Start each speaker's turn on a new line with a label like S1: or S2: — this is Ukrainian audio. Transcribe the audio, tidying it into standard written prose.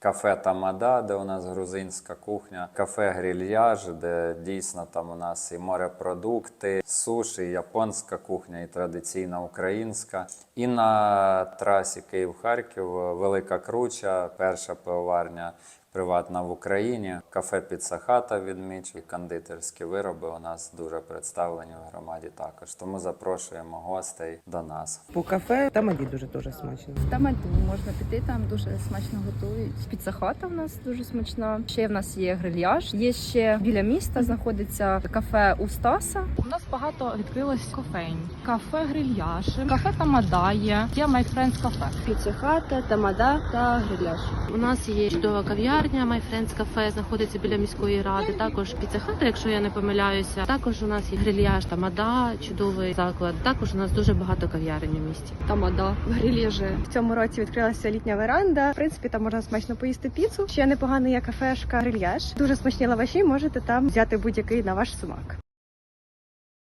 S1: Кафе Тамада, де у нас грузинська кухня, кафе Грильяж, де дійсно там у нас і морепродукти, суші, і японська кухня, і традиційна українська. І на трасі Київ-Харків Велика Круча, перша пивоварня приватна в Україні, кафе Піца Хата відмічу, і кондитерські вироби у нас дуже представлені в громаді також. Тому запрошуємо гостей до нас.
S2: По кафе Тамаді дуже смачно.
S3: В Тамаду можна піти, там дуже смачно готують. Піца-хата в нас дуже смачна. Ще в нас є Грильяж. Є ще біля міста знаходиться кафе у Стаса.
S4: У нас багато відкрилось кофейн. Кафе Грильяж, кафе Тамада є My Friends Cafe.
S5: Піца-хата, Тамада та Грильяж.
S6: У нас є чудова кав'ярня, My Friends Cafe, знаходиться біля міської ради. Також піца-хата, якщо я не помиляюся. Також у нас є Грильяж, Тамада, чудовий заклад. Також у нас дуже багато кав'ярень у місті.
S5: Тамада, Грильяжі. В цьому році відкрилася літня веранда. В принципі, там можна смачно поїсти піцу. Ще непогана є кафешка Грильяж. Дуже смачні лаваші, можете там взяти будь-який на ваш смак.